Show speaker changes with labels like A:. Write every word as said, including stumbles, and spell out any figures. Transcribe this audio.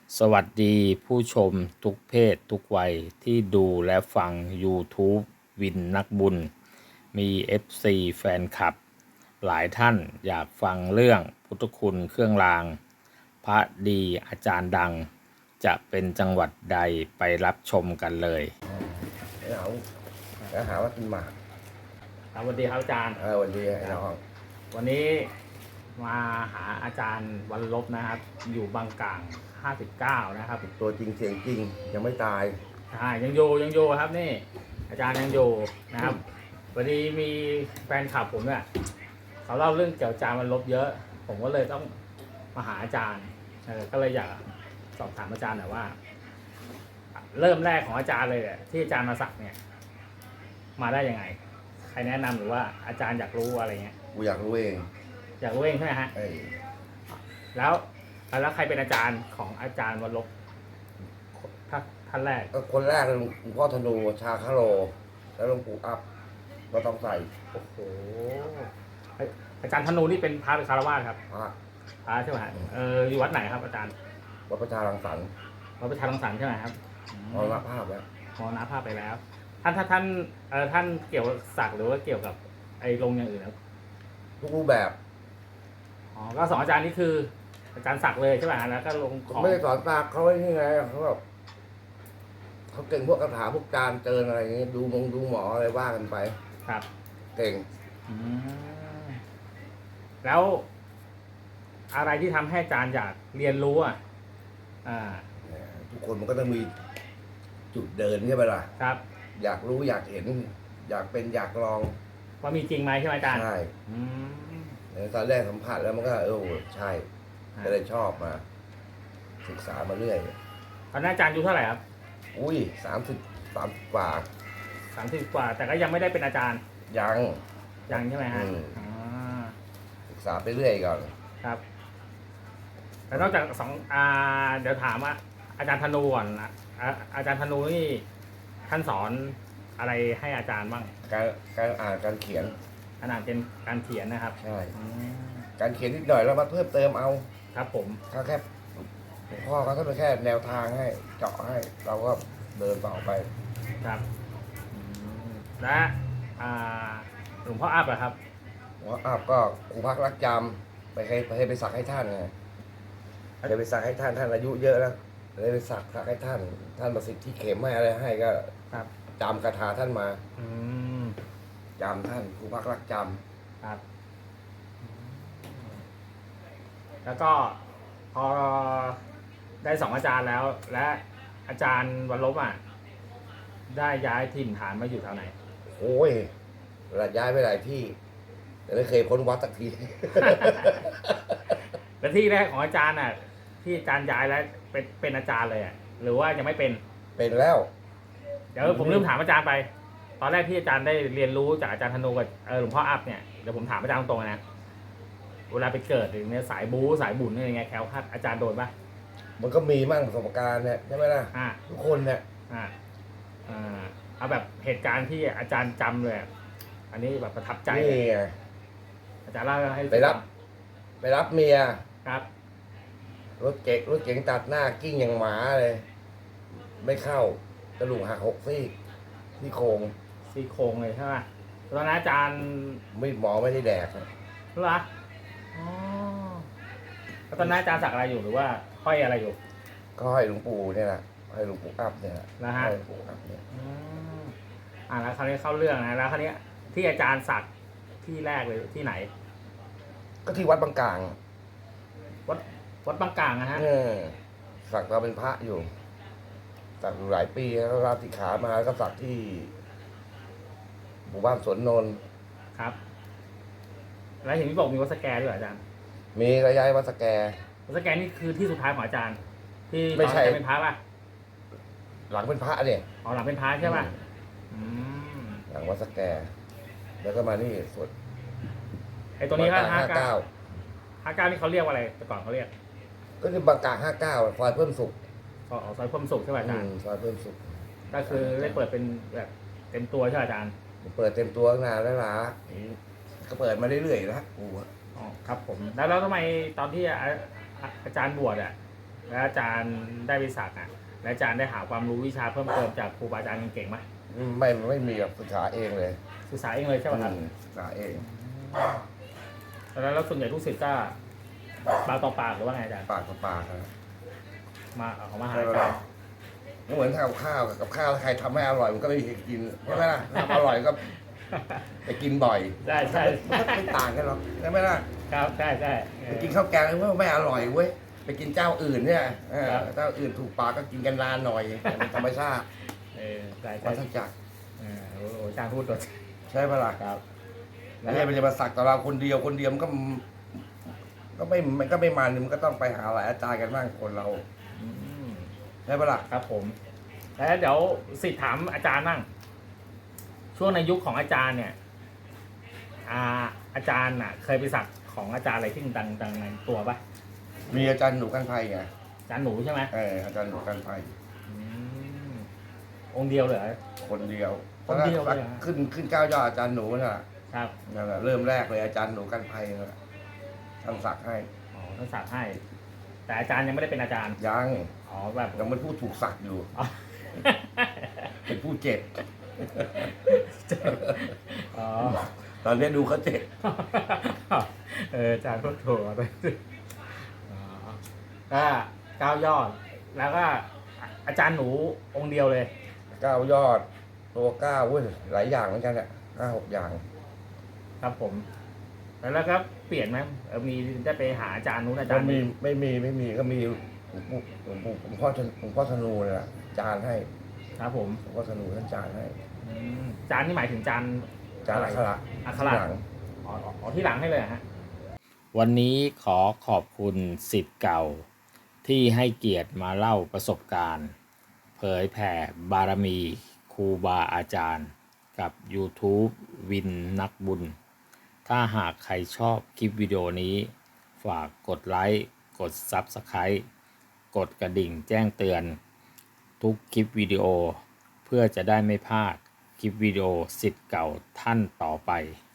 A: สวัสดีผู้ชมทุกเพศทุกวัยที่ดูและฟัง YouTube วินนักบุญ มี เอฟ ซี แฟนคลับ หลายท่านอยากฟังเรื่องพุทธคุณเครื่องราง พระดีอาจารย์ดัง จะเป็นจังหวัดใดไปรับชมกันเลย
B: เอาแล้วหาว่ากินหมาก
A: ครับสวัสดีครับอาจารย์
B: เออวันดีไอ้น้อง
A: วันนี้มาหาอาจารย์วันลบนะครับ อยู่บางกลางห้าสิบเก้านะครับ
B: ตัวจริงเสียงจริงยังไม่ตาย
A: ใช่ยังอยู่ยังอยู่ครับนี่ อาจารย์ยังอยู่นะครับวันนี้มีแฟนคลับผมเนี่ยเขาเล่าเรื่องเกี่ยวกับอาจารย์วันลบเยอะ ผมก็เลยต้องมาหาอาจารย์เออก็เลยอยากสอบถามอาจารย์หน่อยว่า เริ่มแรกของอาจารย์เลยเนี่ยที่อาจารย์มาสักเนี่ย มาได้ยังไง ใครแนะนำหรือว่าอาจารย์อยากรู้อะไรเงี้ย
B: กูอยากรู้เอง
A: อยากรู้เองใช่ไหมฮะ
B: ไอ้
A: แล้วแล้วใครเป็นอาจารย์ของอาจารย์วันลบท่านท่านแรก
B: ก็คนแรกหลวงพ่อธนูชาคาโล แล้วหลวงปู่อัพก็ต้องใส่
A: โอ้โหอาจารย์ธนูนี่เป็นพระหรือคารวาสครับ
B: พระ
A: พระใช่ไหมฮะเอออยู่วัดไหนครับอาจารย์
B: วัดประชารังสรรค์
A: วัดประชารังสรรค์ใช่ไหมครับ
B: มรณภาพแล้ว
A: มรณภาพไปแล้ว ท่านท่านท่านเอ่อท่านเกี่ยวกับศักดิ์หรือว่าเกี่ยวกับไอ้ลงอย่างอื่นครับ
B: ทุกรูปแบบ
A: อ๋อก็สองอาจารย์นี่คือ อาจารย์ศักดิ์เลยใช่ไหมฮะแล้วก็ลงของ
B: ไม่ได้สอนตาเขาไว้นี่ไงเขาแบบเขาเก่งพวกคาถาพวกการเจิญอะไรอย่างเงี้ยดูมงดูหมออะไรว่ากันไป
A: ครับ
B: เก่ง
A: อืมแล้ว อะไรที่ทำให้อาจารย์อยากเรียนรู้อ่ะอ่า
B: ทุกคนมันก็ต้องมีจุดเดินใช่ไหมล่ะ
A: ครับ
B: อยากรู้อยากเห็น อยากเป็นอยากลอง
A: ว่ามีจริงไหมใช่ไหมอาจารย์
B: ใช่
A: อืม
B: ตอนแรกสัมผัสแล้วมันก็เออใช่
A: อ่า
B: ก็เลยชอบมา ศึกษามาเรื่อย
A: ตอนนั้นอาจารย์อายุเท่าไหร่ครับ
B: อุ้ยสามสิบสามกว่า
A: สามสิบกว่า แต่ก็ยังไม่ได้เป็นอาจารย์
B: ยัง
A: ยังใช่ไหมฮะ
B: อืม
A: อ่า
B: ศึกษาไปเรื่อยก่อน
A: ครับแล้วนอกจากสองอ่าเดี๋ยวถามว่าอาจารย์ธนูก่อนนะอ่าอาจารย์ธนูนี่ท่านสอนอะไรให้อาจารย์บ้าง
B: การการอ่านการเขียน
A: ขนาดเป็นการเขียนนะครับ
B: ใช่
A: อืม
B: การเขียนนิดหน่อยแล้วมาเพิ่มเติมเอา
A: ครับผม
B: เขาแค่หลวงพ่อเขาก็เป็นแค่แนวทางให้ เจาะให้ เราก็เดินต่อไป
A: ครับอืมและอ่าหลวงพ่ออัพเหรอครับ
B: หลวงพ่ออาบก็ครูพักรักจำไปให้ไปให้ไปสักให้ท่านไงเคยไปสักให้ท่านท่านอายุเยอะแล้วเลยไปสักสักให้ท่าน ท่านประสิทธิ์ที่เข็มให้อะไรให้ก็
A: ครับ
B: จำคาถาท่านมา
A: อืม
B: จำท่านครูพักรักจ
A: ครับแล้วก็พอได้สองอาจารย์แล้ว และอาจารย์วันลบอ่ะได้ย้ายถิ่นฐานมาอยู่แถวไหน
B: ำโอ้ยระย้ายไปหลายที่ แต่ไม่เคยพ้นวัดสักที
A: และที่แรกของอาจารย์อ่ะ ที่อาจารย์ย้ายแล้วเป็นเป็นอาจารย์เลยอ่ะหรือว่ายังไม่เป็น
B: เป็นแล้ว
A: เดี๋ยวผมลืมถามอาจารย์ไป ตอนแรกที่อาจารย์ได้เรียนรู้จากอาจารย์ธนูกับเออหลวงพ่ออัพเนี่ยเดี๋ยวผมถามอาจารย์ตรงๆนะเวลาไปเกิดอย่างเนี้ยสายบู๊สายบุญอะไรเงี้ยแคล้วคลาดอาจารย์โดนปะ
B: มันก็มีมั่งประสบการณ์เนี่ยใช่ไหมล่ะ
A: อ่า
B: ทุกคนเนี่ย
A: อ่าอ่าเอาแบบเหตุการณ์ที่อาจารย์จำเลยอะอันนี้แบบประทับใจ
B: นี่ไง
A: อาจารย์เล่าให้
B: ไปรับ ไปรับเมีย
A: ครับ
B: รถเก๋งรถเก๋งตัดหน้ากิ้งอย่างหมาเลย ไม่เข้ากระดูกหักหกซี่ที่โครง
A: ซี่โครงเลยใช่ไหมตอนนั้นอาจารย์
B: ไม่หมอไม่ได้แดกนะ
A: เหรออ๋อแล้วตอนนั้นอาจารย์สักอะไรอยู่หรือว่าห้อยอะไรอยู่
B: ก็ให้หลวงปู่เนี่ยแหละให้หลวงปู่อัพเนี่ยแหละ
A: นะฮะ
B: ให้หลวงปู่อัพเนี่ย
A: อืมอ่าแล้วคราวนี้เข้าเรื่องนะแล้วคราวนี้ที่อาจารย์สักที่แรกเลยที่ไหน
B: ก็ที่วัดบางกลาง
A: วัดวัดบางกลางนะฮะ
B: เออสักเราเป็นพระอยู่ สักอยู่หลายปีแล้วลาสิกขามาแล้วก็สักที่หมู่บ้านสวนนนท์
A: ครับ แล้วเห็นพี่บอกมีวัดสแกด้วยเหรออาจารย์
B: มีระยะวัดสแก
A: วัดสแกนี่คือที่สุดท้ายของอาจารย์ ที่
B: ไม่
A: ตอน
B: ใช่
A: จะเป็นพระป่ะ
B: หลังเป็นพระเนี่ย
A: อ๋อหลังเป็นพระใช่ป่ะอืม
B: หลังวัดสแก แล้วก็มานี่สวด
A: ไอตัวนี้ก็ห้า
B: ห้า
A: เก้า
B: เก้า
A: ห้าเก้านี่เขาเรียกว่าอะไรแต่ก่อนเขาเรียก
B: ก็คือบางกลางห้าเก้าซอยเพิ่มสุข
A: อ๋อซอยพรหมสุขใช่ป่ะอาจารย์
B: ซอยเพิ่มสุข
A: ก็คือได้เปิดเป็นแบบเต็มตัวใช่ป่ะอาจารย์
B: เปิดเต็มตัวตั้งนานแล้วล่ะก็เปิดมาเรื่อยๆแล้วกูอะ
A: อ๋อครับผมแล้วแล้วทำไมตอนที่อาอาอาจารย์บวชอ่ะแล้วอาจารย์ได้ไปสักอ่ะแล้วอาจารย์ได้หาความรู้วิชาเพิ่มเติมจากครูบาอาจารย์เก่งๆไหม
B: อืมไม่ไม่มีแบบศึกษาเองเลย
A: ศึกษาเองเลยใช่ไหมครับ
B: อืมศึกษาเอง
A: แล้วแล้วส่วนใหญ่ลูกศิษย์ก็ปากต่อปากหรือว่าไงอาจารย์
B: ปากต่อปากนะ
A: มาเอามาหา
B: ใช่
A: อา
B: ไหม
A: จาร
B: ล่ะ
A: ย์
B: ไม่เหมือนทำกับข้าวกับข้าวใครทำให้อร่อยมันก็ไม่มีใครกินใช่ไหมล่ะทำอร่อยก็ไปกินบ่อย
A: ใช่ใช่
B: มันก็ไม่ต่างกันหรอกใช่ไหมล่ะ
A: ครับใช่ใช่เออ
B: ไปกินข้าวแกงแล้วว่าไม่อร่อยเว้ยไปกินเจ้าอื่นเนี่ยเออ
A: ครับ
B: เจ้าอื่นถูกปากก็กินกันนานหน่อยเป็นธรรมชาติ
A: เออใช่
B: วั
A: ใช่
B: ฏจักร
A: เออโอ้โหอาจารย์พูดตัว
B: ใช่ปะล่ะ
A: ครับ
B: ไม่ใช่มันจะมาสักต่อเราคนเดียวคนเดียวมันก็ก็ไม่มันก็ไม่มันมันก็ต้องไปหาหลายอาจารย์กันบ้างคนเรา
A: อืม
B: ใช่ปะล่ะ
A: ครับผม แล้วเดี๋ยวสิทธิ์ถามอาจารย์นั่งช่วงในยุคของอาจารย์เนี่ยอาอาจารย์น่ะ เคยไปสักของอาจารย์อะไรที่ดังดังในตัวปะ
B: มีอาจารย์หนูกันไพไง
A: อาจารย์หนูใช่ไหม
B: เอออาจารย์หนูกันไพ
A: อืมองค์เดียวเหรอ
B: คนเดียว
A: คนเดียวเลยเหรอ
B: ขึ้นขึ้นเก้ายอดอาจารย์หนูน่ะ
A: ครับ
B: นั่นแหละเริ่มแรกเลยอาจารย์หนูกันไพนั่นแหละท่านสักให้
A: อ๋อท่านสักให้ แต่อาจารย์ยังไม่ได้เป็นอาจารย์
B: ยัง
A: อ๋อแบบ
B: ยังเป็นผู้ถูกสักอยู่
A: อ๋อ
B: เป็นผู้เจ็บ
A: อ๋อ
B: ตอนนี้ดูเขาเจ็บ
A: เอออาจารย์พูดถูกไปอ๋อก็เก้ายอด แล้วก็อาจารย์หนูองค์เดียวเลย
B: เก้ายอด ตัวเก้าเว้ยหลายอย่างเหมือนกันเนี่ยห้าหกอย่าง
A: ครับผม แล้วแล้วก็เปลี่ยนไหมเออมีได้ไปหาอาจารย์นู้นอาจา
B: ก็
A: รย์
B: มี
A: นี้
B: ไม่มีไม่มีก็มีหลวงปู่หลวงปู่หลวงพ่อธนหลวงพ่อธนูเนี่ยแหละจานให้
A: ครับผม
B: หลวงพ่อธนูท่านจานให้
A: อืมจานนี่หมายถึงจาน
B: จานอักขระ
A: อักขระ
B: หลัง
A: อ๋ออ๋อที่หลังให้เลยเหรอฮะ
C: วันนี้ขอขอบคุณศิษย์เก่า ที่ให้เกียรติมาเล่าประสบการณ์ เผยแผ่บารมีครูบาอาจารย์ กับ YouTube วินนักบุญ ถ้าหากใครชอบคลิปวิดีโอนี้ ฝากกดไลค์ กด Subscribe กดกระดิ่งแจ้งเตือน ทุกคลิปวิดีโอ เพื่อจะได้ไม่พลาดคลิปวิดีโอศิษย์เก่าท่านต่อไป